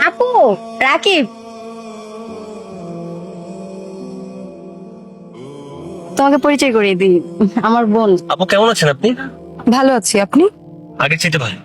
আপু, রাকিব তোমাকে পরিচয় করিয়ে দিই, আমার বোন। আপু কেমন আছেন আপনি? ভালো আছি, আপনি? আগে চাইতে ভালো।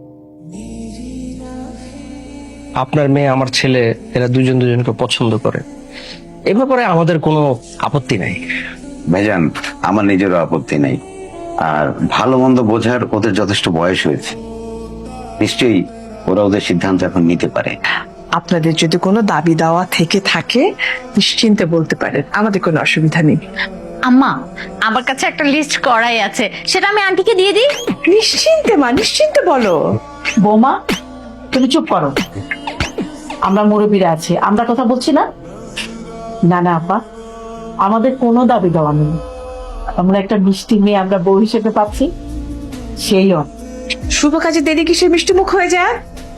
আপনার মেয়ে আমার ছেলে এরা দুজন দুজনকে পছন্দ করে, এ ব্যাপারে আমাদের কোনো আপত্তি নাই। ভাইজান, আমার নিজেরও আপত্তি নাই। আর ভালো মন্দ বোঝার ওদের যথেষ্ট বয়স হয়েছে, নিশ্চয়ই ওরা ওদের সিদ্ধান্ত এখন নিতে পারে। আপনাদের যদি কোনো দাবি দাওয়া থেকে থাকে নিশ্চিন্তে বলতে পারেন, আমাদের কোনো অসুবিধা নেই। আম্মা, আমার কাছে একটা লিস্ট করাই আছে, সেটা আমি আন্টিকে দিয়ে দিই। নিশ্চিন্তে মা, নিশ্চিন্তে বলো। বৌমা, তুমি চুপ করো। আমরা মুরব্বীরা আছি, আমরা কথা বলছি না। না না আপা, আমাদের কোনো দাবি দেওয়া নেই। আমরা একটা মিষ্টি মেয়ে আমরা বউ হিসেবে পাচ্ছি, সেই শুভ কাজে দেরি কিসে মিষ্টি মুখ হয়ে যায়।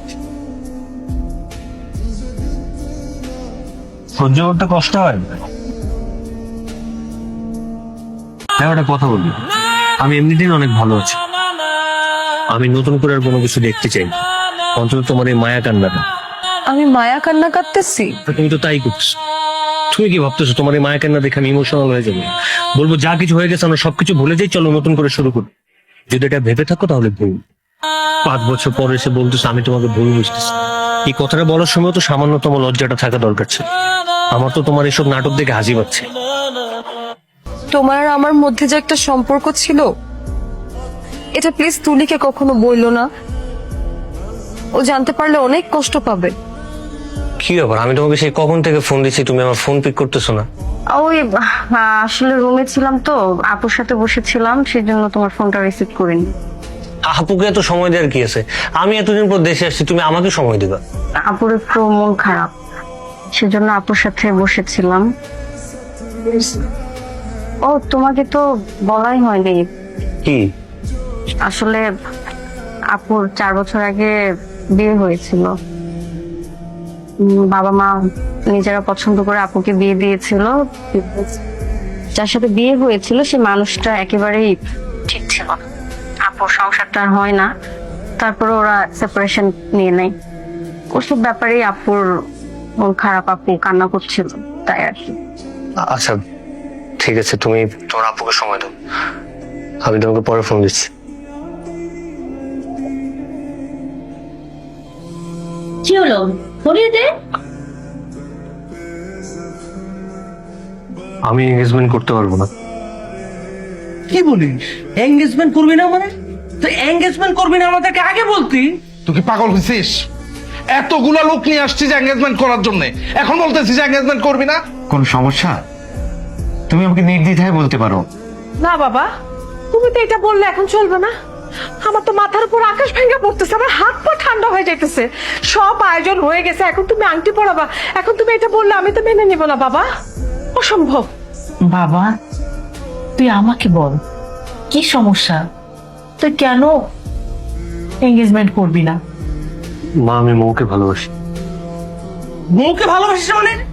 সহ্য করতে কষ্ট হয়। হ্যাঁ, একটা কথা বলি, আমি এমনিতেই অনেক ভালো আছি। আমি নতুন করে আর কোনো কিছু দেখতে চাই না, অন্তত তোমার এই মায়া কান্নাটা। আমি মায়া কান্না কাটতেছি? তুমি তো তাই করছো। তুমি কি ভাবতেছো তোমার এই মায়া কান্না দেখে আমি ইমোশনাল হয়ে যাবো? বলবো যা কিছু হয়ে গেছে আমরা সবকিছু ভুলে যাই, চলো নতুন করে শুরু করি। যদি এটা ভেবে থাকো তাহলে ভুল। 5 বছর পরে এসে বলতেছো আমি তোমাকে ভুল বুঝতেছি। এই কথাটা বলার সময় তো সামান্যতম লজ্জাটা থাকা দরকার ছিল। আমার তো তোমার এসব নাটক দেখে হাসি পাচ্ছে। তোমার আর আমার মধ্যে যে একটা সম্পর্ক ছিল, এটা প্লিজ তুলিকে কখনো বইলো না। ও জানতে পারলে অনেক কষ্ট পাবে। কি ব্যাপার, আমি তোমাকে সেই কখন থেকে ফোন দিচ্ছি, তুমি আমার ফোন পিক করতেছো না? ওই আসলে রুমে ছিলাম তো, আপুর সাথে বসেছিলাম, সেই জন্য তোমার ফোনটা রিসিভ করিনি। আপুকে এত সময় দেওয়ার কি আছে? আমি এতদিন পর দেশে আসছি, তুমি আমাকে সময় দিবা? আপুর একটু মন খারাপ, সেজন্য আপুর সাথে বসেছিলাম। ও, তোমাকে তো বলাই হয়নি। কি? আসলে আপুর 4 বছর আগে বিয়ে হয়েছিল। বাবা মা নিজেরা পছন্দ করে আপুকে বিয়ে দিয়েছিল। যার সাথে বিয়ে হয়েছিল সে মানুষটা একেবারেই ঠিক ছিল না। আপুর সংসারটা আর হয় না, তারপরে ওরা সেপারেশন নিয়ে নেয়। ওসব ব্যাপারেই আপুর মন খারাপ, আপু কান্না করছিল, তাই আর কি। আচ্ছা ঠিক আছে, তুমি তোমার আপুকে সময় দাও, আমি তোমাকে পরে ফোন দিচ্ছি। কি হলো, বলিয়ে দে। আমি এঙ্গেজমেন্ট করতে পারবো না। কি বলিস? এঙ্গেজমেন্ট করবি না মানে? তো এঙ্গেজমেন্ট করবি না আমাদেরকে আগে বলতি। তুই কি পাগল হয়েছিস? এতগুলা লোক নিয়ে আসছিস এঙ্গেজমেন্ট করার জন্য, এখন বলতেছিস এঙ্গেজমেন্ট করবি না? কোন সমস্যা? তুমি আমাকে নির্দ্বিধায় বলতে পারো। না বাবা, তুমি তো এটা বললে এখন চলবে না। আমার তো মাথার উপর আকাশ ভেঙে পড়তেছে, আমার হাত পা ঠান্ডা হয়ে যাইতেছে। সব আয়োজন হয়ে গেছে, এখন তুমি আংটি পরাবা, এখন তুমি এটা বললে আমি তো মেনে নিব না বাবা, অসম্ভব। বাবা, তুই আমাকে বল কি সমস্যা, তুই কেন এঙ্গেজমেন্ট করবি না? মা, আমি মৌকে ভালোবাসি। বউকে ভালোবাসিস মানে?